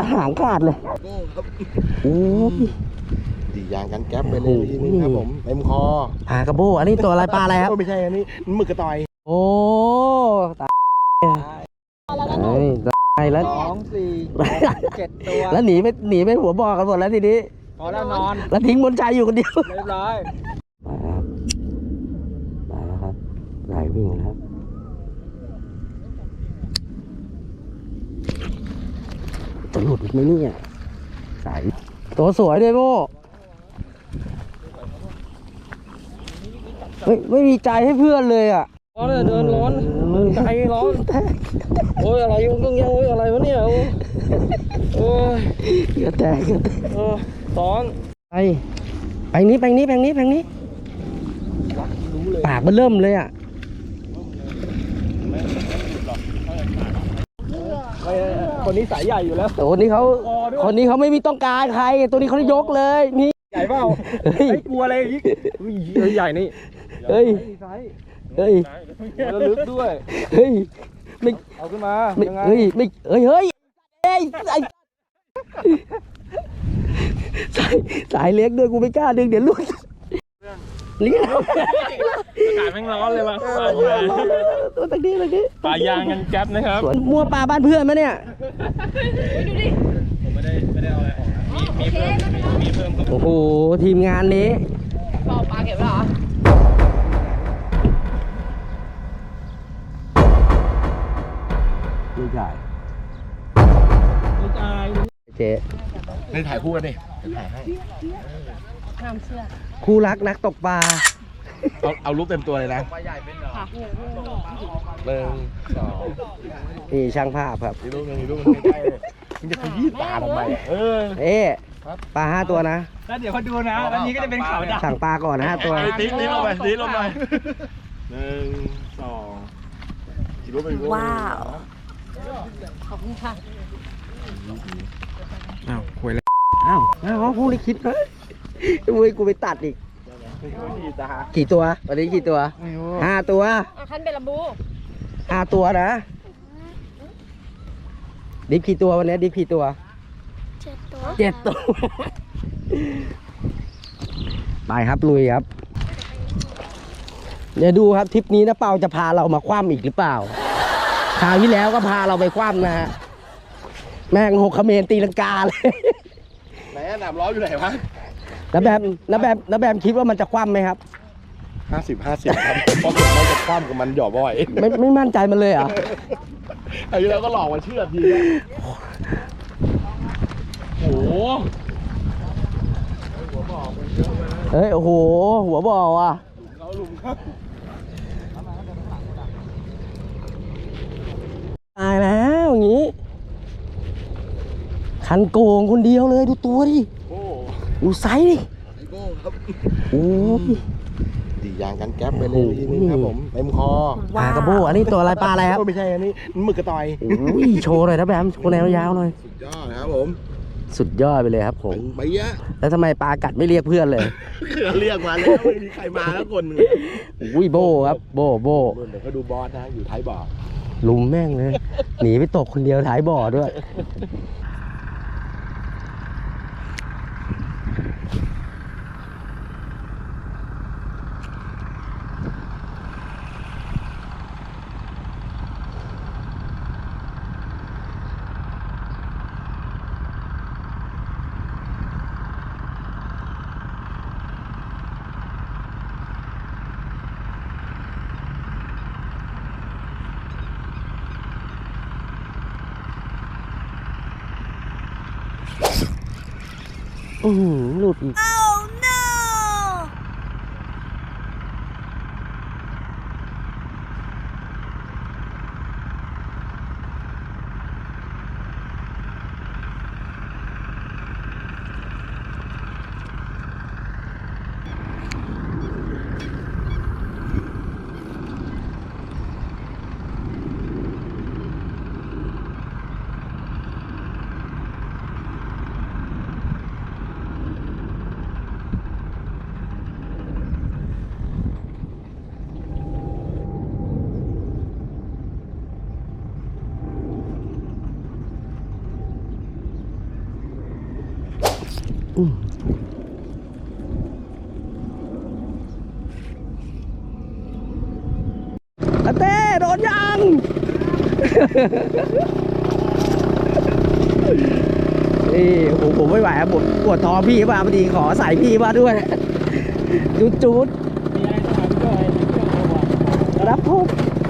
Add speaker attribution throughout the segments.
Speaker 1: หางขาดเลยโอ้ย
Speaker 2: ดียางกันแก๊ปไปเลยทีนึงครับผมเต็มคอ
Speaker 1: ปลากระโบอันนี้ตัวอะไรปลาอะไรครับ
Speaker 2: ไม่ใช่อันนี้หมึกกระต่อย
Speaker 1: โอ้ตายตายแล้ว
Speaker 3: 2 4 7 ตัว
Speaker 1: แล้วหนีไม่หัวบอกกันหมดแล้วทีนี้
Speaker 3: พอแล้วนอน
Speaker 1: แล้วทิ้งบนชายอยู่คนเดียว
Speaker 3: เรียบร้อย
Speaker 1: มาแล้วครับไหลวิ่งแล้วจะหลุดไหมเนี่ยสายตัวสวยด้วยโม่ไม่มีใจให้เพื่อนเลยอ่ะ
Speaker 3: ร้อนเลยเดินร้อนใจร้อนโอ้ยอะไรยุ่งต้องยังโอ้ยอะไรวะเนี่ยโอ้ย
Speaker 1: กระแตก
Speaker 3: ร้อน
Speaker 1: ไปนี้ปากมันเริ่มเลยอ่ะ
Speaker 3: คนนี้สายใหญ่อยู่แล้ว
Speaker 1: คนนี้เขาไม่มีต้องการใครตัวนี้เขายกเลยนี่
Speaker 3: ใหญ่เปล่าไม่กลัวอะไรอีกใหญ่นี่
Speaker 1: เฮ้ย
Speaker 3: แล้วลึกด้วย
Speaker 1: ไม่
Speaker 3: เอาขึ้นมา
Speaker 1: สายเล็กด้วยกูไม่กล้าดึงเดี๋ยวลุกนี่
Speaker 3: อากาศแม่งร้อนเลยว่ะ
Speaker 1: ตัวตะกี้
Speaker 3: ปลายางกันแก๊ปนะครับ
Speaker 1: มัวปลาบ้านเพื่อนไหมเนี่ย
Speaker 3: ดูดิผมไม่ได้เอาอะไรออกมีเพิ่ม
Speaker 1: โอ้โหทีมงานนี้
Speaker 4: ปลาเก็บแล้วเหรอ
Speaker 1: ไม่ใช่เจ๊
Speaker 2: ในถ่ายคู่กันดิถ่ายให้
Speaker 1: คู่รักนักตกปลา
Speaker 2: เอารูปเต็มตัวเลยนะ1 2
Speaker 1: นี่ช่างภาพครับ
Speaker 2: มีรูปใกล้เลยมึงจะขยี้ตาทำไม
Speaker 1: ปลา5 ตัวนะ
Speaker 3: แล้วเดี๋ยวเขาดูนะวันนี้ก็จะเป็นข่าวดัง
Speaker 1: สั่งปลาก่อน5 ตัว
Speaker 2: ตีลงไป1 2กี่รูปไป
Speaker 4: ว้าวขอบคุณค่ะ
Speaker 3: คุยเลย
Speaker 1: พูดเลยคิดนะกูไปตัดอีกกี่ตัววันนี้กี่ตัว5 ตัว
Speaker 4: คันเป็นลำบู
Speaker 1: 5 ตัวนะดิบกี่ตัววันนี้ดิบกี่ตัว7 ตัวไปครับลุยครับเดี๋ยวดูครับทริปนี้นะเปาจะพาเรามาคว่ำอีกหรือเปล่าคราวที่แล้วก็พาเราไปคว่ำนะฮะแม่ง6 เขมรตีลังกาเลย
Speaker 2: ไหนหนามล้ออยู่ไหนวะ
Speaker 1: น้าแบมคิดว่ามันจะคว่ำไหมครับ
Speaker 2: 50ครับเพราะมันจะคว่ำกับมันหย่อบ่อย
Speaker 1: ไม่มั่นใจมันเลยเหรอ
Speaker 2: ไอ้เราก็หลอกมาเชื่อที
Speaker 3: โอ้โห
Speaker 1: โอ้โหหัวบ่อว่ะตายแล้วอย่างนี้คันโกงคนเดียวเลยดูตัวดิดูไซส์ดิโอ้ย
Speaker 2: ดียางกันแก๊ปไปเลยทีนึงครับผมเต็มคอ
Speaker 1: ปลากระโบอันนี้ตัวอะไรปลาอะไรครับ
Speaker 2: ไม่ใช่อันนี้หมึกกระต่อย
Speaker 1: โชว์หน่อยนะแบมโชว์แนวยาวหน่อย
Speaker 2: สุดยอดนะครับผม
Speaker 1: สุดยอดไปเลยครับผม
Speaker 2: ไปเยอะ
Speaker 1: แล้วทำไมปลากัดไม่เรียกเพื่อนเลย
Speaker 2: เรียกมาแล้วไม่มีใครมาแล้วคนนึง
Speaker 1: โบครับโบ
Speaker 2: เดี๋ยวเขาดูบอสนะอยู่ท้ายบ่อ
Speaker 1: ลุมแม่งเลยหนีไปตกคนเดียวท้ายบ่อด้วยหลุดอีกอาเต้โดนยัง นี่ผมไม่ไหวครับผมปวดท้องพี่มาพอดีขอใส่พี่มาด้วย จุด
Speaker 3: มีอะไรต้องหาพี่จ้อยพี่จ้อยเอาว่ะ
Speaker 1: รับพบ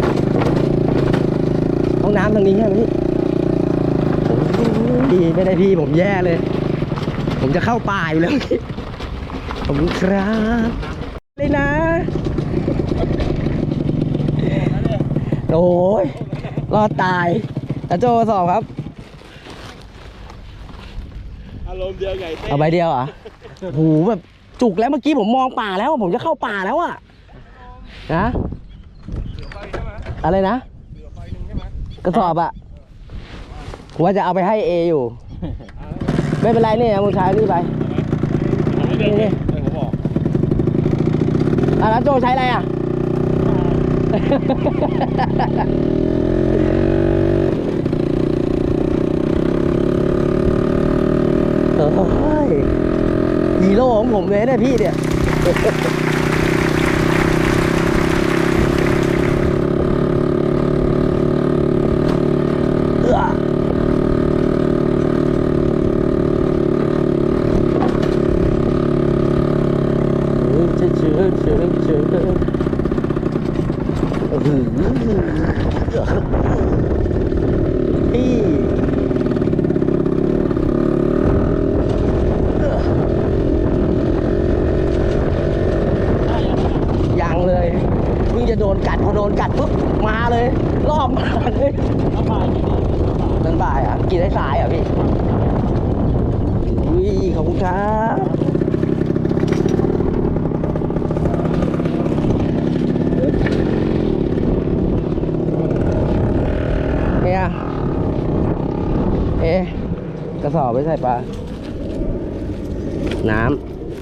Speaker 1: ห้องน้ำทางนี้ใช่ไหมพี่พี่ไม่ได้พี่ผมแย่เลย ผมจะเข้าป่าอยู่แล้วพี่ขอบคุณครับเลยนะ โอ้ยรอดตายตาโจสอบครับ
Speaker 2: อารมณ์เดียวไงเต้
Speaker 1: เอาใบเดียวเหรอ่ะโหแบบจุกแล้วเมื่อกี้ผมมองป่าแล้วผมจะเข้าป่าแล้วอ่ะนะอะไรนะกระสอบอ่ะผมว่าจะเอาไปให้เออยู่ ไม่เป็นไรเนี่ยมึงใช้นี่ไปนี่
Speaker 2: ผมบอก
Speaker 1: แล้วโจใช้อะไรอ่ะ โอ้ยฮีโร่ของผมเลยเนี่ยพี่เนี่ยพี่ยังเลยเพิ่งจะโดนกัดพอโดนกัดปุ๊บมาเลยรอบมาเลย
Speaker 3: เอาบ่ายกี่โมง
Speaker 1: นั่นบ่ายอ่ะกินได้สายอ่ะพี่อุ้ยขอบคุณครับเนี่ยกระสอบไว้ใส่ปลาน้ำ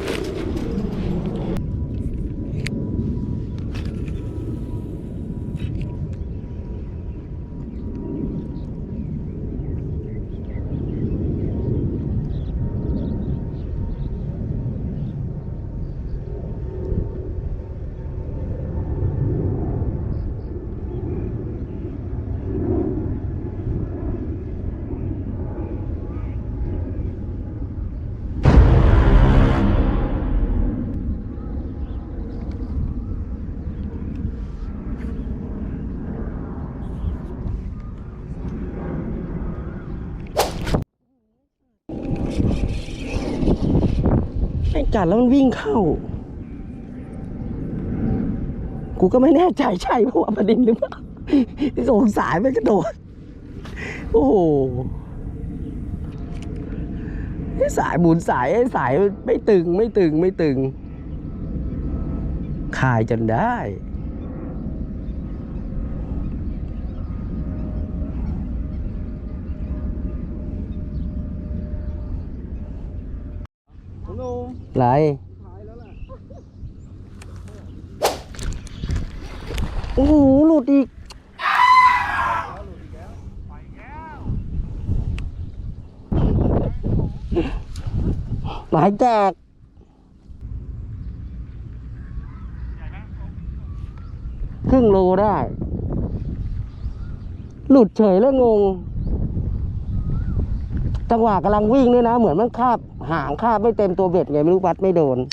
Speaker 1: ไอ้กัดแล้วมันวิ่งเข้า กูก็ไม่แน่ใจใช่เพราะว่าประเด็นหรือเปล่าที่สงสายมันกระโดด โอ้โหสายหมุนสายสายไม่ตึงคายจนได้
Speaker 3: โน่
Speaker 1: ไร โอ้โห หลุดอีก หมายแจกครึ่งโลได้ หลุดเฉยแล้วงง จังหวะกำลังวิ่งด้วยนะ เหมือนมันคาบหางคาบไม่เต็มตัวเบ็ดไงไม่รู้วัดไม่โดน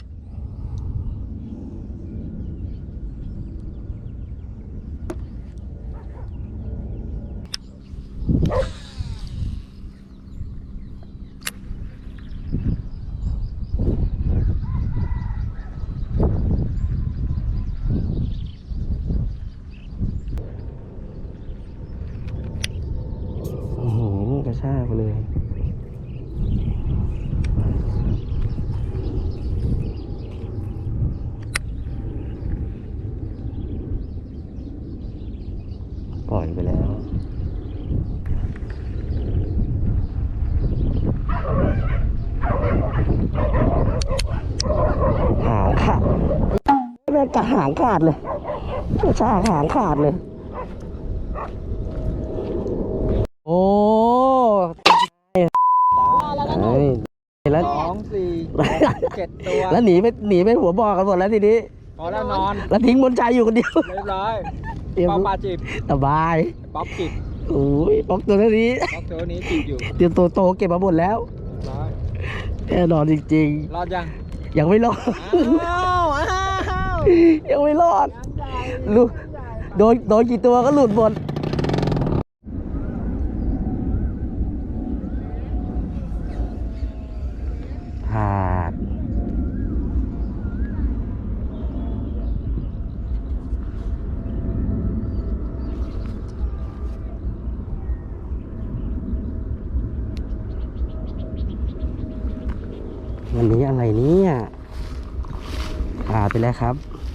Speaker 1: กระชากไปเลย ปล่อยไปแล้ว หางขาดแม่งกะหางขาดเลยกระชากหางขาดเลย โอ้เฮ้ยแล้ว
Speaker 3: 2 4 7 ตัว
Speaker 1: แล้วหนีไปหัวบ่อกันหมดแล้วทีนี้
Speaker 3: พอแล้วนอน
Speaker 1: แล้วทิ้งบนใจอยู่คนเดียว
Speaker 3: เรียบร้อยเป้าปลาจีบ
Speaker 1: สบาย
Speaker 3: ป๊อปจีบ
Speaker 1: โอ้ยป๊อกตัวนี้
Speaker 3: ป๊อปตัวนี้จีบอยู่
Speaker 1: เตรียมโตๆเก็บมาหมดแล้ว
Speaker 3: ร้อย
Speaker 1: แน่นอนจริง
Speaker 3: รอดยัง
Speaker 1: ๆ ยังไม่รอด
Speaker 3: อ้าวอ้าว
Speaker 1: ยังไม่รอดลูกโดนกี่ตัวก็หลุดหมดหาดวันนี้อะไรเนี่ยไปแล้วครับ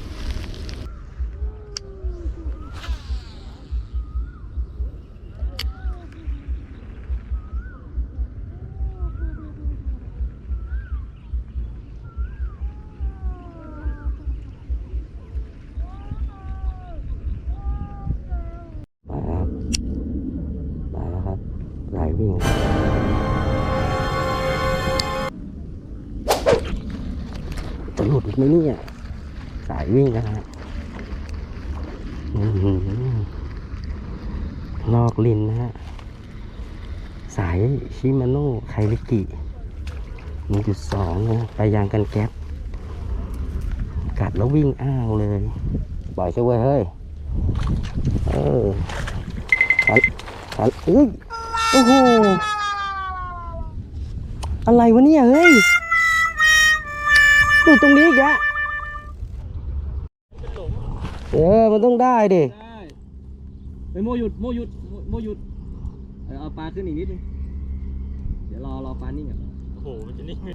Speaker 1: มาแล้วครับสายวิ่งจะหลุดไหมเนี่ยสายวิ่งนะฮะลอกลินนะฮะสายชิมาโน่ไคลิกิ 1.2 นะไปยางกันแก๊สกัดแล้ววิ่งอ้าวเลยปล่อยช่วยเฮ้ยขันเฮ้ยโอ้โหอะไรวะเนี่ยเฮ้ยอยู่ตรงนี้อีกอะมันต้องได้ดิ
Speaker 3: ได้ไปโมหยุดเอาปลาขึ้นอีกนิดนึงเดี๋ยวรอปลานิ่งก่อน
Speaker 5: โอ้โหมันจะนิ่ง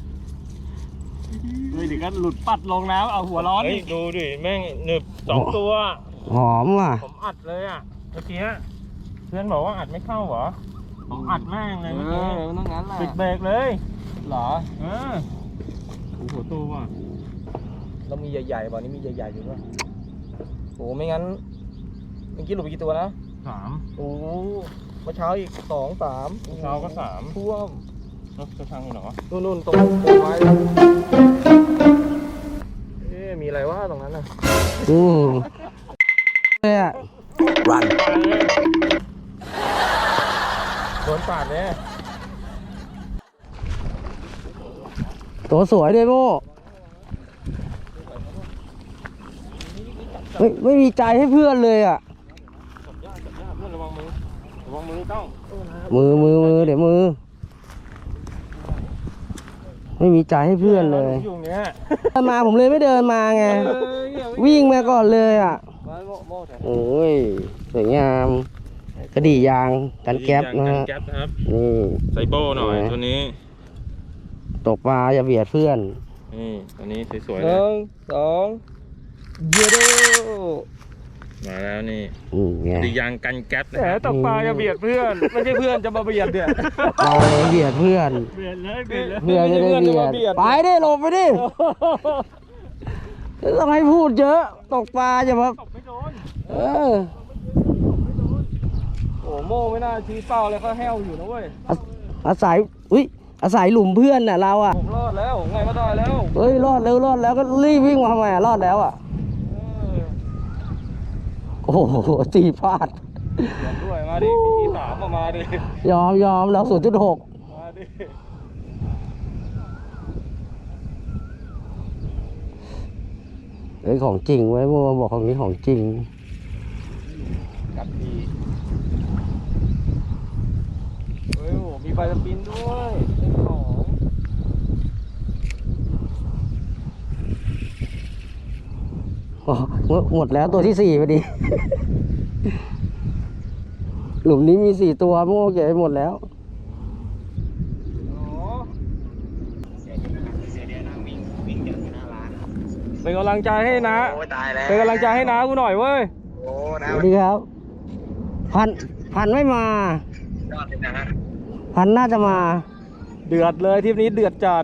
Speaker 5: เฮ้ยเดี๋ยวก็หลุดปัดลงน้ำเอาหัวร้อนนี่ดูดิแม่งหนึบ2 ตัว
Speaker 1: หอมว่ะ
Speaker 5: ผมอัดเลยอ่ะเมื่อกี้เพื่อนบอกว่าอัดไม่เข้าเหรอผมอัดแม่งเลยเมื่อกี้
Speaker 3: มันต้องงั้นแหละ
Speaker 5: ปิดเบรกเลย
Speaker 3: เหรอ
Speaker 5: โอ้โหตัวว่ะ
Speaker 3: เรามีใหญ่ๆบ่อนี้มีใหญ่ๆอยู่ด้วยโอ้ไม่งั้นเมื่อกี้หลุดไปกี่ตัวนะ
Speaker 5: 3
Speaker 3: โอ้เมื่อเช้าอีก2 3
Speaker 5: เช้าก็3
Speaker 3: ท่วม
Speaker 5: รถกระชังอยู่เหรอ
Speaker 3: นู่นตรงโคนไม้มีอะไรวะตรงนั้นน่ะ
Speaker 1: เลยอะ
Speaker 2: รัน
Speaker 5: โดนปาดเนี่ย
Speaker 1: ตัวสวยด้วยโม่ไม่มีใจให้เพื่อนเลยอะ
Speaker 5: จับยากเพื่อนระวังมือต้อง
Speaker 1: มือเดี๋ยวมือ ไม่มีใจให้เพื่อนเลย
Speaker 5: อยู่เนี้ย
Speaker 1: เดินมาผมเลยไม่เดินมาไง วิ่งมาก่อนเลยอ่ะ
Speaker 3: โม่แถว
Speaker 1: โอ้ยสวยงามกระดี่ยางกันแก๊ปนะฮะ
Speaker 5: แก๊ปนะครับ
Speaker 1: นี่
Speaker 5: ไซโบหน่อยตัวนี้
Speaker 1: ตกปลาอย่าเบียดเพื่อน
Speaker 5: นี่ตัวนี้สวยๆ
Speaker 3: ห
Speaker 5: เลย
Speaker 3: นึ่งสองเยโด
Speaker 5: มาแล้วนี่
Speaker 1: ไง
Speaker 5: ดียางกันแก๊ปนะ
Speaker 3: แหม
Speaker 5: ครับ
Speaker 3: ตกปลาจะเบียดเพื่อน ไม่ใช่เพื่อนจะมาเบียดเนี่ย
Speaker 1: ปลาเบียดเพื่อน
Speaker 5: เบียดเลยเบียดเลย
Speaker 1: เพื่อนจะได้เบียดไปดิหลบไปดิต้องให้พูดเยอะตกปลาอย่ามา
Speaker 5: ตกไม่โดน
Speaker 1: เออ
Speaker 3: โอ้โม่ไม่น่าชี้เป้าเลยเขาแห้วอยู่นะเว้ย
Speaker 1: อาศัยอาศัยหลุมเพื่อนน่ะเราอ่ะ
Speaker 3: ผมรอดแล้วไงก็ได้แล้ว
Speaker 1: เฮ้ยรอดแล้วก็รีบวิ่งมาทำไมรอดแล้วอ่ะโอ้โหตีพลาด
Speaker 3: เบียดด้วยมาดิพี่สามมาดิ
Speaker 1: ยอมแล้ว 0.6
Speaker 3: มาดิ
Speaker 1: เอ้ยของจริงไว้เมื่อวานบอกของนี้ของจริง
Speaker 3: กัดทีเฮ้ยโหมีไฟสปินด้วยเล่นของ
Speaker 1: อ๋อหมดแล้วตัวที่ 4พอดี หลุมนี้มี 4 ตัวเมื่อวานเก็บไปหมดแล้ว
Speaker 3: อ๋อเป็นกำลังใจให้นะ เป็นกำลังใจให้น้ากูหน่อยเว้ย
Speaker 1: สวัสดีครับ พันไม่มา พันน่าจะมา
Speaker 3: เดือดเลยทริปนี้เดือดจัด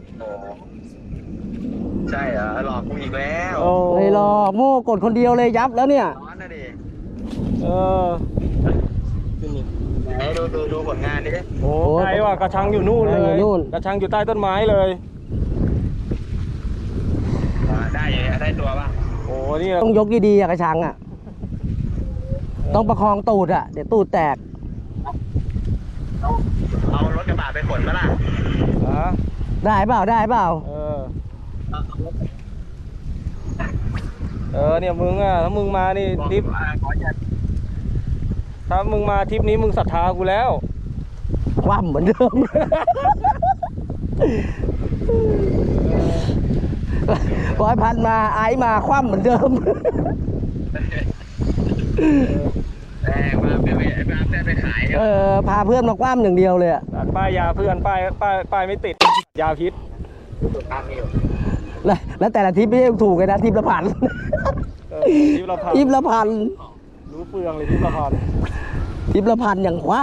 Speaker 2: ใช่เหรอหลอกกูอีกแล้ว
Speaker 3: โอ้
Speaker 1: เลยรอโม่กดคนเดียวเลยยับแล้วเนี่ย
Speaker 2: ร้อนนะดิ
Speaker 3: เออ
Speaker 2: ไหนดูผลงานดิ
Speaker 3: โอ้ไกลว่ะกระชังอยู่นู่นเลย
Speaker 1: อยู่นู่น
Speaker 3: กระชังอยู่ใต้ต้นไม้เลย
Speaker 2: ได้ตัวป่ะ
Speaker 3: โอ้นี่
Speaker 1: ต้องยกดีๆอะกระชังอ่ะต้องประคองตูดอ่ะเดี๋ยวตูดแตก
Speaker 2: เอารถกระบะไปขนมาล่ะ
Speaker 1: ได้เปล่าได้เปล่า
Speaker 3: เนี่ยมึงอ่ะถ้ามึงมานี่ทริปถ้ามึงมาทริปนี้มึงศรัทธากูแล้ว
Speaker 1: คว่ำเหมือนเดิม 100,000มาไอ้มาคว่ำเหมือนเดิม
Speaker 2: ไปขาย
Speaker 1: พาเพื่อนมาคว่ำอย่างเดียวเลยอะ
Speaker 3: ป้ายยาเพื่อนป้ายไม่ติดยาพิษ
Speaker 1: แล้วแต่ละทริปไม่ใช่ถูกเลยนะทริปละพัน
Speaker 3: ทริปละพัน
Speaker 1: ทริปละพัน
Speaker 3: รู้เปลืองเลยทริปละพัน
Speaker 1: ทริปละพันอย่างคว่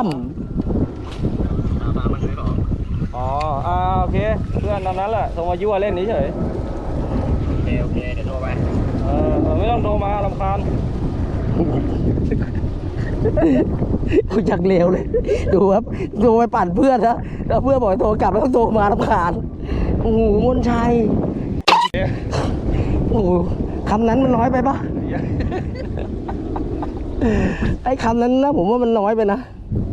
Speaker 3: อ๋อโอเคเพื่อนตอนนั้นแหละโทรมายั่วเล่นเฉย
Speaker 2: โอเคเดี๋ยวโทรไป
Speaker 3: ไม่ต้องโทรมารำคาญ
Speaker 1: ำ กูจักเลวเลย ดูครับโทรไปปั่นเพื่อนนะแล้วเพื่อนบอกให้โทรกลับแล้วต้องโทรมารำคาญโอ้โหมนชัยโอ้โหคำนั้นมันน้อยไปปะ ไอ้คำนั้นนะผมว่ามันน้อยไปนะ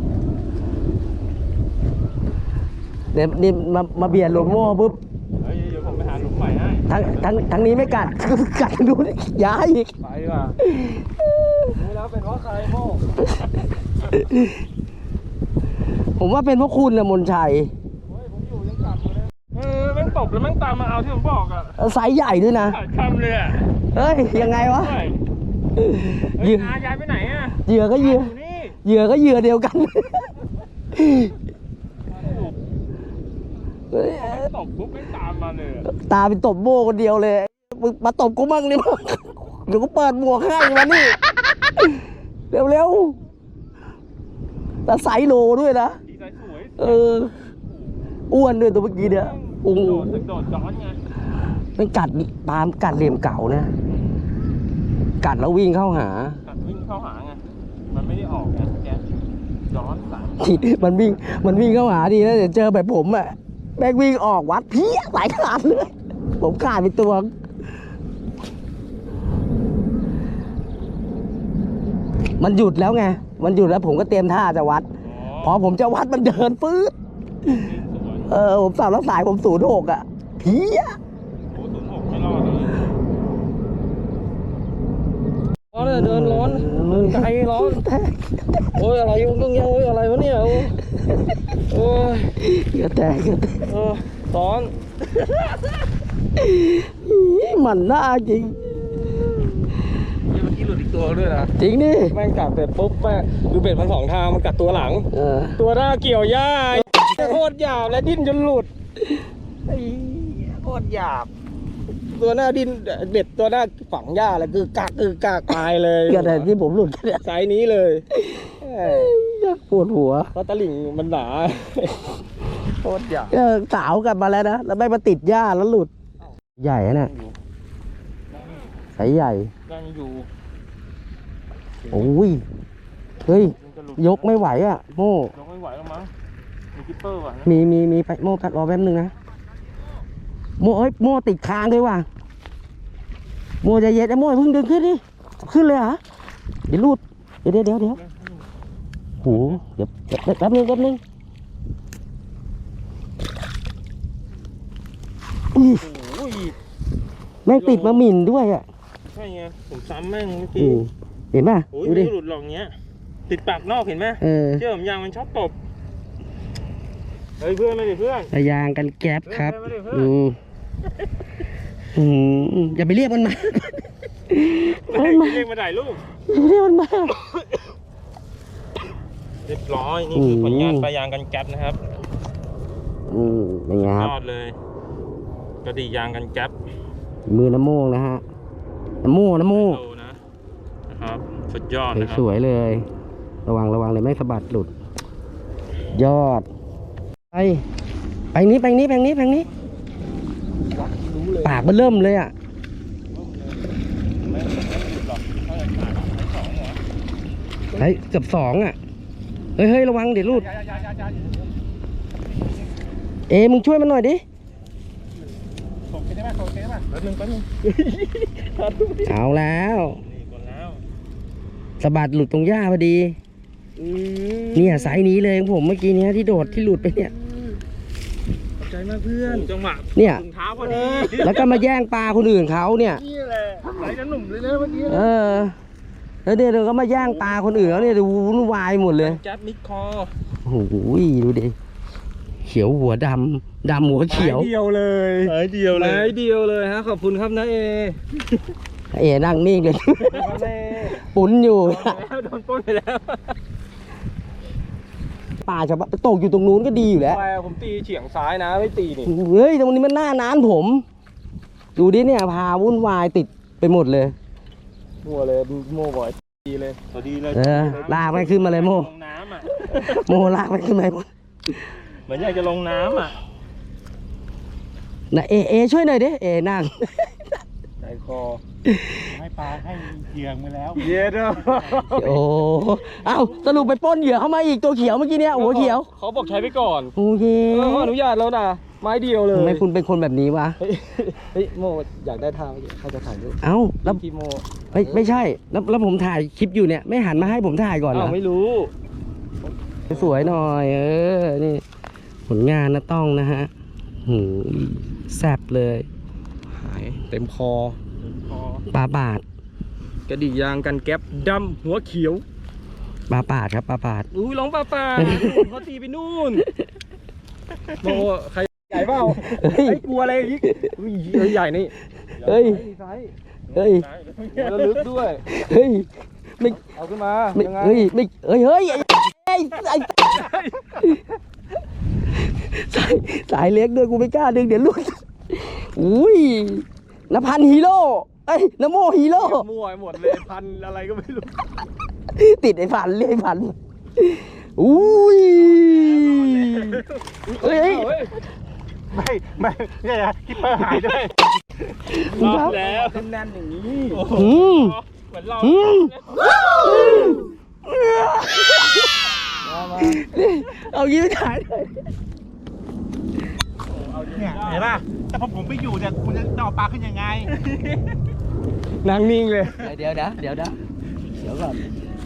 Speaker 1: เดี๋ยวนี่มาเบียดหลวงโม่ปุ๊บ
Speaker 3: เดี๋ยวผมไปหาหลุมใหม่ให้
Speaker 1: ทั้งนี้ไม่กัด กัดดูดิย้ายอีก
Speaker 3: ไปดีกว่ารู้แล้วเป็นเพราะใครโม่
Speaker 1: ผมว่าเป็นเพราะคุณนะมนชัย
Speaker 3: ผมอยู่ยังกลับเลยแม่งตบแล้วแม่งตามมาเอาที่ผมบอกอ่ะ
Speaker 1: ไซส์ใหญ่ด้วยนะ
Speaker 3: คำเลยอ่ะ
Speaker 1: เฮ้ยยังไงวะ
Speaker 3: เหยื่อยายไปไหนอ่ะ
Speaker 1: เหยื่อก็เหยื่อ
Speaker 3: นี่
Speaker 1: เหยื่อก็เหยื่อเดียวกันเฮ้ย
Speaker 3: ตบปุ๊บแม่งตามมาเลย
Speaker 1: ตาเป็นตบโบคนเดียวเลยมึงมาตบกูมั่งนี่มึงเดี๋ยวกูเปิดหมวกให้มานี่เร็วๆแต่ไซส์โลด้วยนะ
Speaker 3: ดีใจสวย
Speaker 1: อ้วนด้วยตัวเมื่อกี้เนี่ยโอ้โห
Speaker 3: โดดย้อนไง
Speaker 1: มันกัดปาล์มกัดเหลี่ยมเก่านะกัดแล้ววิ่งเข้าหา
Speaker 3: กัดวิ่งเข้าหาไงมันไม่ได้ออกไงแกย้อนสาม
Speaker 1: มันวิ่งเข้าหาดีนะเดี๋ยวเจอแบบผมอะแบกวิ่งออกวัดเพี้ยสายขาดเลยผมขาดไปตัวมันหยุดแล้วไงมันหยุดแล้วผมก็เตรียมท่าจะวัดพอผมจะวัดมันเดินปื๊ดผมสาวรักสายผม06อะเพี้ย
Speaker 3: โอ้06ไม่รอดเลยร้อนเลยเดินร้อนเดินไกลร้อนโอ้ยอะไรยุ่งต้องยังโอ้ยอะไรวะเนี่ยโอ้ย
Speaker 1: กระแตก
Speaker 3: ร้อน
Speaker 1: มันน่าจริง
Speaker 3: เมื่อกี้หลุดอีกตัวด้วยนะ
Speaker 1: จริงดิ
Speaker 3: แม่งกัดเสร็จปุ๊บแม่ดูเบ็ดมัน2 ทางมันกัดตัวหลัง ตัวหน้าเกี่ยวหญ้าโคตรหยาบและดิ้นจนหลุดโคตรหยาบตัวหน้าดิ้นเบ็ดตัวหน้าฝังหญ้าแล้วคือกากตายเลย
Speaker 1: กระแตที่ผมหลุดเนี่ย
Speaker 3: ไซส์นี้เลย
Speaker 1: ปวดหัว
Speaker 3: เพราะตะหลิ่งมันหนาโคตรหยาบ
Speaker 1: สาวกลับมาแล้วนะแล้วไม่มาติดหญ้าแล้วหลุด ใหญ่นะเนี่ยสายใหญ่
Speaker 3: ยังอยู่
Speaker 1: โอ้ยเฮ้ยยกไม่ไหวอ่ะโม่
Speaker 3: ยกไม่ไหวแล้วมั้งมีคิปเปอร์ว่ะ
Speaker 1: มีไปโม่ตัดรอแป๊บนึงนะโม่โม่ติดค้างด้วยว่ะโม่ใจเย็นไอ้โม่เพิ่งเดินขึ้นดิขึ้นเลยเหรอเดี๋ยวรูดเดี๋ยวโหเดี๋ยวแป๊บนึงอุ้ย
Speaker 3: โอ้ย
Speaker 1: แม่งติดมาหมิ่นด้วยอ่ะ
Speaker 3: ใช่ไงผมซ้ำแม่งเมื่อกี้
Speaker 1: เห็นป่ะ
Speaker 3: โอ้ย
Speaker 1: ดู
Speaker 3: ไม่
Speaker 1: ดิ
Speaker 3: หลุดหรอกเงี้ยติดปากนอกเห็นไหม เชื่อผมยางมันชอบตบเฮ้ยเพื่อนไม่ดิเพื่อน
Speaker 1: ระยางกันแก๊ปครับ
Speaker 3: เพื่อน
Speaker 1: อย่าไปเรียกมันมา
Speaker 3: เรียกมาถ่ายรูป
Speaker 1: เรียกมันมา
Speaker 3: เรียบร้อยนี่คือผลงานปลายางกันแก๊ปนะครับ
Speaker 1: เป็นไงครับ
Speaker 3: ยอดเลยกระดิ่งยางกันแก๊ป
Speaker 1: มือน้ำโมงนะฮะน้ำโม
Speaker 3: โตนะครับสุดยอดนะครับ
Speaker 1: สวยๆเลย ระวังเลยไม่สะบัดหลุด ยอดไปนี้ปากมันเริ่มเลยอ่ะเฮ้ยเกือบ2อ่ะเฮ้ยระวังเดี๋ยวหลุดมึงช่วยมันหน่อยดิ
Speaker 3: ส่งไปได้ไหมแป๊บนึง
Speaker 1: เอาแล้ว
Speaker 3: นี่ก่อนแล้ว
Speaker 1: สะบัดหลุดตรงหญ้าพอดีเนี่ยไซส์นี้เลยของผมเมื่อกี้เนี้ยที่โดดที่หลุดไปเนี่ย
Speaker 3: ขอบใจมากเพื่อน
Speaker 5: จังหวะ
Speaker 1: เนี่ย
Speaker 5: ถุงเท้าพอดี
Speaker 1: แล้วก็มาแย่งปลาคนอื่นเขาเนี่ย
Speaker 3: นี่แหละไหลจะหนุ่มเลยนะเมื่อกี้
Speaker 1: แล้วเดี๋ยวก็มาแย่งปลาคนอื่นเขาเนี่ยดูวุ่นวายหมดเลย
Speaker 5: แจ๊บมิดคอ
Speaker 1: โอ้โหดูดิเขียวหัวดำหัวเขียว
Speaker 3: ไม้เดียวเลย
Speaker 5: หายเดียวเลย
Speaker 3: ไม้เดียวเลยฮะขอบคุณครับนะเอ
Speaker 1: เอ๋นั่งนิ่งเลย
Speaker 3: ครับแม่
Speaker 1: ปุ้นอยู่
Speaker 5: โดนปล้นไปแล้ว
Speaker 1: ป่าชาวบ้านตกอยู่ตรงนู้นก็ดีอยู่แล้ว
Speaker 3: แปลผมตีเฉียงซ้ายนะไม่ตีนี่
Speaker 1: เฮ้ยตรงนี้มันหน้าน้านผม ดูดิเนี่ยพาวุ่นวายติดไปหมดเลย
Speaker 3: มัวเลยโม่บ่อยตีเลย
Speaker 5: พอดีเลย
Speaker 1: ลากมันขึ้นมาเลยโม
Speaker 5: ลงน้ำอ่ะ
Speaker 1: โมลากมันขึ้นมาหมด
Speaker 5: เหมือนอยากจะลงน้ำอ่ะ
Speaker 1: นะเอช่วยหน่อยดิเอนั่ง
Speaker 3: ใจคอ
Speaker 5: ให้ปลาให้เหยื่อมาแล้ว
Speaker 3: เย็ดอ่ะ
Speaker 1: โอ้เอ้าสรุปไปปล้นเหยื่อเข้ามาอีกตัวเขียวเมื่อกี้เนี่ยหัวเขียว
Speaker 3: เขาบอกใช้ไปก่อน
Speaker 1: โอเค
Speaker 3: เขาอนุญาตแล้วนะไม้เดียวเลย
Speaker 1: ทำไมคุณเป็นคนแบบนี้วะ
Speaker 3: เฮ้ยโมอยากได้ทางใครจะถ่ายรูป
Speaker 1: เอ้าแล้ว
Speaker 3: ทีโม
Speaker 1: ไม่ใช่แล้วผมถ่ายคลิปอยู่เนี่ยไม่หันมาให้ผมถ่ายก่อนเหร
Speaker 3: อ้า
Speaker 1: อ
Speaker 3: วไม่รู้
Speaker 1: สวยหน่อยนี่ผลงานนะต้องนะฮะหูยแซ่บเลย
Speaker 3: หายเต็มคอ
Speaker 1: ปลาบาด
Speaker 3: กระดิ่งยางกันแก๊ปดำหัวเขียว
Speaker 1: ปลาบาดครับปลาบาด
Speaker 3: อุ้ยร้องป้าป้าเขาตีไปนู่นโมใครใหญ่เปล่า
Speaker 1: เฮ้ย
Speaker 3: ไอ้กลัวอะไรอีกอุ้ยใหญ่นี่
Speaker 1: เฮ้ย
Speaker 3: ไซส์
Speaker 1: เฮ้ย
Speaker 3: แล้วลึกด้วย
Speaker 1: เฮ้ยไม่
Speaker 3: เอาขึ้นมา
Speaker 1: ไม่
Speaker 3: ยังไง
Speaker 1: เฮ้ยไม่เฮ้ยไอ้สายเล็กด้วยกูไม่กล้าดึงเดี๋ยวหลุดอุ้ยนภันฮีโร่เอ้ยนโมฮีโร่
Speaker 3: มั่วไปหมดเลยพันอะไรก็ไม่รู้
Speaker 1: ติดไอ้พันเรียกไอ้พันอุ้ยเฮ้ย
Speaker 3: เฮ้ย
Speaker 5: ไม่ใช่นะคิปเปอร์หายด้วย
Speaker 1: รอด
Speaker 5: แล้ว
Speaker 3: แน่นๆอย่างนี้
Speaker 1: อืม
Speaker 5: เหมือนเรา
Speaker 1: อืม
Speaker 3: มามา
Speaker 1: เอายิ้มถ่ายเลย
Speaker 5: เนี่ยเห็นป่ะแต่พอผมไปอยู่เนี่ยคุณจะเอาปลาขึ้นยังไง
Speaker 3: นั่งนิ่งเลย
Speaker 1: เดี๋ยวก่อน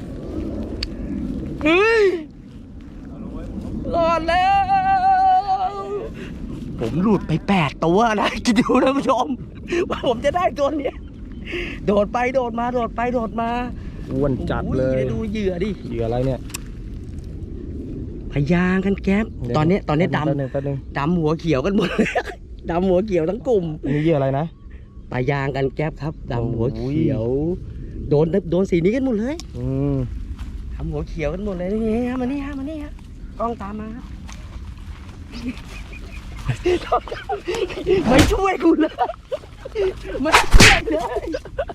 Speaker 1: รอดแล้ว ผมหลุดไป8 ตัวนะคิดดูนะผู้ชม ว่าผมจะได้ตัวเนี้ยโดดไปโดดมาโดดไปโดดมา
Speaker 3: อ้วนจัดเลย
Speaker 1: โอ้ดูเหยื่อดิ
Speaker 3: เหยื่ออะไรเนี่ย
Speaker 1: พยางกันแก๊ปตอนนี้
Speaker 3: แป๊บนึง
Speaker 1: ดำหัวเขียวกันหมดเลย ดำหัวเขียวทั้งกลุ่ม
Speaker 3: อันนี้เหยื่ออะไรนะ
Speaker 1: พยางกันแก๊ปครับดำหัว
Speaker 3: โอ้ย
Speaker 1: เขียว โดนสีนี้กันหมดเลย
Speaker 3: อืม
Speaker 1: ทำหัวเขียวกันหมดเลยนี่ฮะมานี่ฮะกล้องตามมาครับ ไม่ช่วยกูเลยไม่ช่วยเลย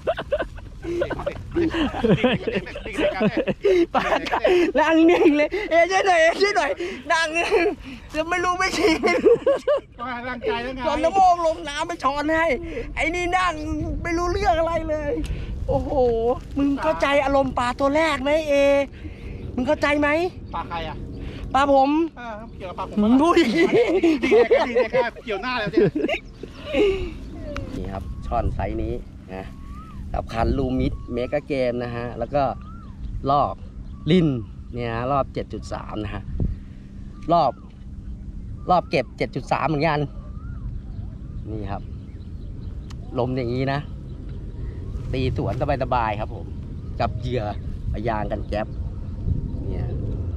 Speaker 1: ปาดนั่งนิ่งเลยช่วยหน่อยนั่งจะไม่รู้ไม่ชี้ไม่รู้
Speaker 5: ร่างกายแล้วไง
Speaker 1: ตอนน้ำโมงลงน้ำไปช้อนให้ไอ้นี่นั่งไม่รู้เรื่องอะไรเลย โอ้โหมึงเข้าใจอารมณ์ปลาตัวแรกไหมมึงเข้าใจไหม
Speaker 5: ปลาใครอ่ะ
Speaker 1: ปลาผม
Speaker 5: เกี่ยวกับปลาผม
Speaker 1: มึงพูดอย่างนี้
Speaker 5: ดีเลยครับเกี่ยวหน้าแล้วเนี่ย
Speaker 1: นี่ครับช่อนไซส์นี้นะกับคันลูมิดเมกะเกมนะฮะแล้วก็รอบลินเนี่ยรอบ 7.3 นะฮะรอบเก็บ 7.3 เหมือนกันนี่ครับลมอย่างนี้นะตีสวนสบายๆครับผมกับเหยื่อพยางกันแก๊ปเนี่ย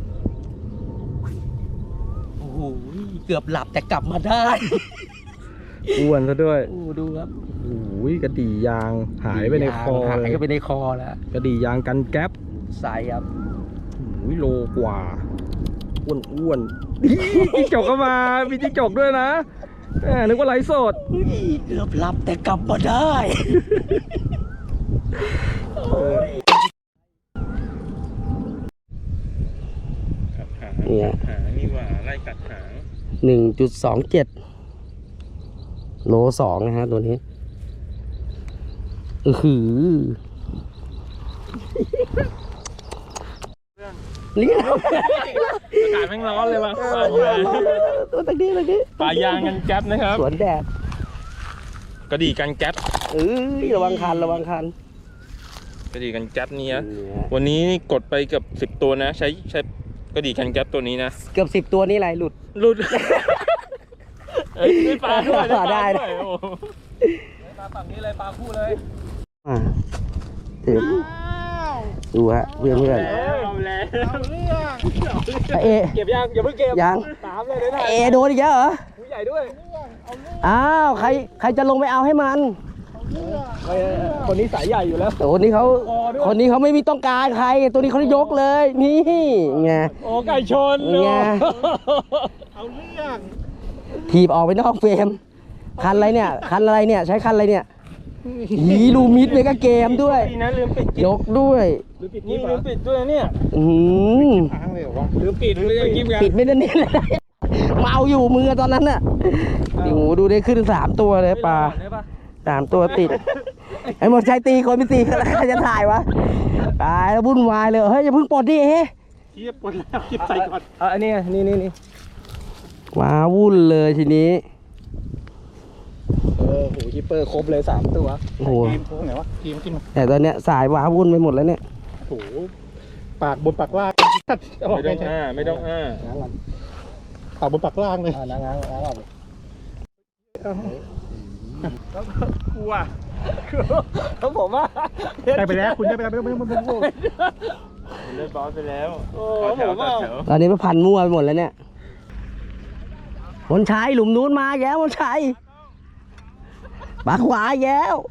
Speaker 1: โอ้โหเกือบหลับแต่กลับมาได้
Speaker 3: อ้วนซะด้วย
Speaker 1: โอ้ดูครับ
Speaker 3: โอ้ยกระดี่ยางหายไปในคอ
Speaker 1: หาย
Speaker 3: เลย
Speaker 1: ไปในคอแล้ว
Speaker 3: กระดี่ยางกันแก๊ป
Speaker 1: ใส่ครับ
Speaker 3: โอ้ยโลกว่าอ้วนจิ้งจกก็มามีจิ้งจกด้วยนะนึกว่าไลฟ์สด
Speaker 1: เกือบหลับแต่กลับมาได้
Speaker 5: กัดหาง
Speaker 1: เนี่ย
Speaker 5: หางนี่หว่าไล่กัดหาง
Speaker 1: 1.27 โล 2นะฮะตัวนี้หือนี่
Speaker 5: อากาศแม่งร้อนเลยว่ะ
Speaker 1: ตัวตะกี้
Speaker 5: ปลายางกันแก๊ปนะครับ
Speaker 1: สวนแดด
Speaker 5: กระดี่กันแก๊ป
Speaker 1: ระวังคัน
Speaker 5: กระดี่กันแก๊ปนี่นะวันนี้นี่กดไปเกือบ10 ตัวนะ ใช้กระดี่กันแก๊ปตัวนี้นะ
Speaker 1: เกือบ10 ตัวนี่อะไรหลุด
Speaker 5: หลุดได้ปลาด้วย
Speaker 1: ได้
Speaker 5: ด้วยโอ้
Speaker 3: ปลาฝั่งนี้เลยปลาคู่เลย
Speaker 1: อ่าถึงดูฮะเพื่อน
Speaker 5: แล้ว
Speaker 1: เอ
Speaker 3: เก็บยังอย่าเพิ่งเก็บ
Speaker 1: ยัง
Speaker 3: ตามเลยได้
Speaker 1: เอโดนอีกแล้วเหรอ
Speaker 3: ผู้ใหญ่ด้วย
Speaker 1: อ้าวใครจะลงไปเอาให้มัน
Speaker 3: คนนี้สายใหญ่อยู่แล้ว
Speaker 1: แต่คนนี้เขาไม่มีต้องการใคร ตัวนี้เขายกเลยนี่ไง
Speaker 3: โอ้ไก่ชน
Speaker 1: ไง
Speaker 3: เอาเรื่อง
Speaker 1: ถีบออกไปนอกเฟรมคันอะไรเนี่ยใช้คันอะไรเนี่ยหีลูมิดเมกาเกมด้วย
Speaker 5: ดีนะลืมปิด
Speaker 1: ยกด้วย
Speaker 3: หรือปิด
Speaker 5: นี่
Speaker 3: นี่
Speaker 5: ลืมปิดด้วยนะเนี่ย
Speaker 1: อื้อหือ
Speaker 2: ค้างเลยเหรอวะ
Speaker 3: หรือปิดหรือยังกินกัน
Speaker 1: ปิดไม่ได้เนี่ยเมาอยู่มือตอนนั้นน่ะโอ้โหดูได้ขึ้น3 ตัวเลยปลา
Speaker 3: ได้ปะ
Speaker 1: 3 ตัวติดไอ้หมดใจตีคนไม่ตีกันแล้วใครจะถ่ายวะตายแล้ววุ่นวายเลยเฮ้ยอย่าเพิ่งปลดดิเฮ้
Speaker 5: เทียบปนแล้วคิดใส่ก่อน
Speaker 3: อันนี้นี่
Speaker 1: ว้าวุ่นเลยทีนี้
Speaker 3: โหคิปเปอร์ครบเลย3 ตัว
Speaker 1: โอ้โห
Speaker 2: ทีมพวกไหนวะทีมกินมา
Speaker 1: แต่ตอนเนี้ยสายว้าวุ่นไปหมดแล้วเนี่ย
Speaker 2: โอ้โหปากบนปากล่าง
Speaker 5: ไม่ต้องอ้าไม่ต้องอ้า
Speaker 2: ปากบนปากล่างเลย
Speaker 3: ง้าง
Speaker 5: กลัว
Speaker 3: แล้วผมว่า
Speaker 2: ได้ไปแล้วคุณได้ไปแล้วไม่ต้อง
Speaker 5: เล่นบอลไปแล้ว
Speaker 3: โอ้
Speaker 5: ต่อแถว
Speaker 3: ผม
Speaker 5: ต่อ
Speaker 3: ว่า
Speaker 5: แถว
Speaker 1: ตอนนี้มันพันมั่วไปหมดแล้วเนี่ยมนชัยหลุมนู้นมาแย้วมนชัยปากขวาแย้ว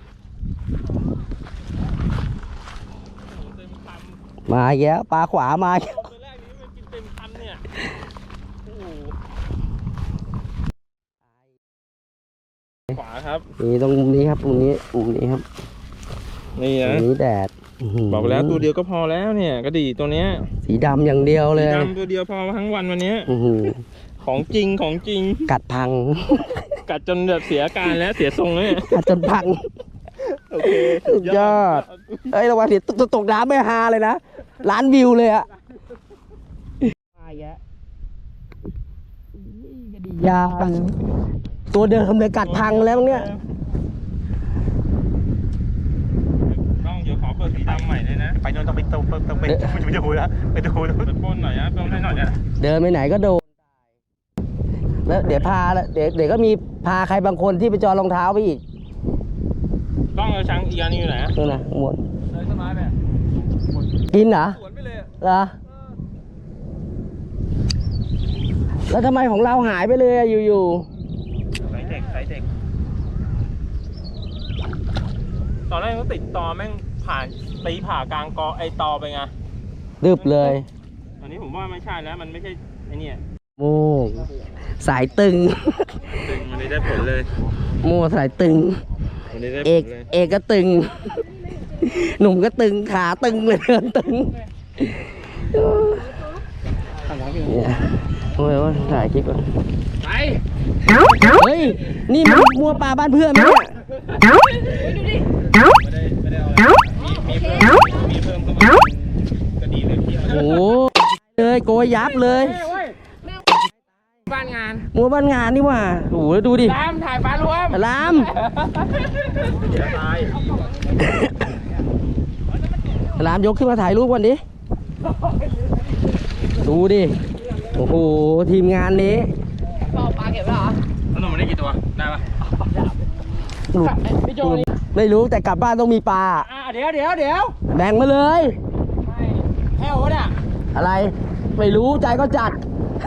Speaker 1: มาแย้วปลาขวามาแย้ว
Speaker 5: ตัวแรกนี้มันกินเต็มคันเนี่ยโอ้โหขวาครับ
Speaker 1: นี่ตรงมุมนี้ครับมุมนี้ครับ
Speaker 5: นี่
Speaker 1: ตร
Speaker 5: นะ
Speaker 1: งนี้แดดอื้หื
Speaker 5: บอกแล้วตัวเดียวก็พอแล้วเนี่ยกระดี่ตัวเนี้ย
Speaker 1: สีดำอย่างเดียวเลย
Speaker 5: ดำตัวเดียวพอทั้งวันวันเนี้ย
Speaker 1: อื้อหือ
Speaker 5: ของจริงของจริง
Speaker 1: กัดพัง
Speaker 5: กัดจนแบบเสียอาการแล้วเสียทรงแล้วเนี่ย
Speaker 1: กัดจนพัง
Speaker 5: โอเค
Speaker 1: สุดยอด เอ้ยระวังเดี๋ยวตกน้ำไม่ฮาเลยนะล้านวิวเลยอะมาอีกแล้วยาตัวเดิมเลยกัดพังแล้วเนี่ย
Speaker 5: ต้องเดี๋ยวขอเปิดสีดำใหม่เลยนะ
Speaker 2: ไปโน่นต้องไปดูแล้วไปดู
Speaker 5: ไปปล้นหน่อยนะปล้นให้หน่อยนะ
Speaker 1: เดินไปไหนก็โดนแล้วเดี๋ยวพาแล้วเดี๋ยวก็มีพาใครบางคนที่ไปจอรองเท้าไปอีก
Speaker 5: ต้องเอาช้างอีกอันนึงอยู่ไหน
Speaker 1: นู่นนะหมด
Speaker 3: เลยต้นไม้ไป
Speaker 1: กินเหรอ
Speaker 3: สวนไปเลย
Speaker 1: เหรอแล้วทำไมของเราหายไปเลยอะอยู่
Speaker 5: ใส่เด็กตอนแรกมันติดตอแม่งตีผ่ากลางกอไอตอไปไง
Speaker 1: ๆดึบเลย
Speaker 5: ตอนนี้ผมว่าไม่ใช่แล้วมันไม่ใช่ไอเนี่ย
Speaker 1: โม่สายตึง
Speaker 5: ตึงมันเลยได้ผลเลย
Speaker 1: โม่สายตึง
Speaker 5: มันเลยได้ผ
Speaker 1: เอก
Speaker 5: ลเลย
Speaker 1: เอกก็ตึง หนุ่มก็ตึงขาตึงเลยเดินตึงเนี่ยโอ้ยว่าถ่ายคลิปก่อน
Speaker 3: ไป
Speaker 1: เฮ้ย นี่มันมัวปลาบ้านเพื่อนไหมเนี่ย
Speaker 5: ไม่ได้เอามีเพิ่มเข้ามาก็ดีเลยพี่
Speaker 1: โอ้โหเลยโกยยับเลย
Speaker 3: บ้านงาน
Speaker 1: มัวบ้านงานนี่หว่าโอ้โหดูดิ
Speaker 3: ตามถ่ายปลารวม
Speaker 1: ลาม
Speaker 5: ตาย
Speaker 1: ลามยกขึ้นมาถ่ายรูปก่อนดิ ดูดิ โอ้โห ทีมงานนี้
Speaker 4: พ่อปลาเก็บไว้เหรอ
Speaker 5: แล้วหนุ่มมันได้กี่ตัว ได้ปะ
Speaker 3: พี่โจนี่
Speaker 1: ไม่รู้แต่กลับบ้านต้องมีปลา
Speaker 3: เดี๋ยว
Speaker 1: แบ่งมาเลย
Speaker 3: แค่วะเนี่ย
Speaker 1: อะไร ไม่รู้ใจก็จัด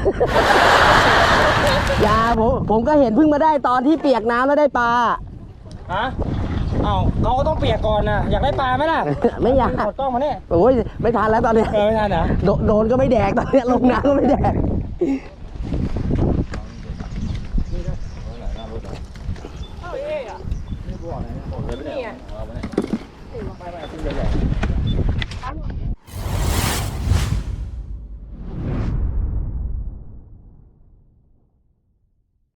Speaker 1: อย่าผมก็เห็นเพิ่งมาได้ตอนที่เปียกน้ำแล้วได้ปลา
Speaker 3: ฮะเอ้าเขาก็ต้องเปียกก่อนนะอยากได้ปลาไหมล่ะ
Speaker 1: ไม่อยาก
Speaker 3: ขอกล้องมาเนี่ย
Speaker 1: โอ้ยไม่ทันแล้วตอนนี้
Speaker 3: ไม่ทันเหรอ
Speaker 1: โดนก็ไม่แดกตอนนี้ลงน้ำก็ไม่แดก
Speaker 3: นี่ไง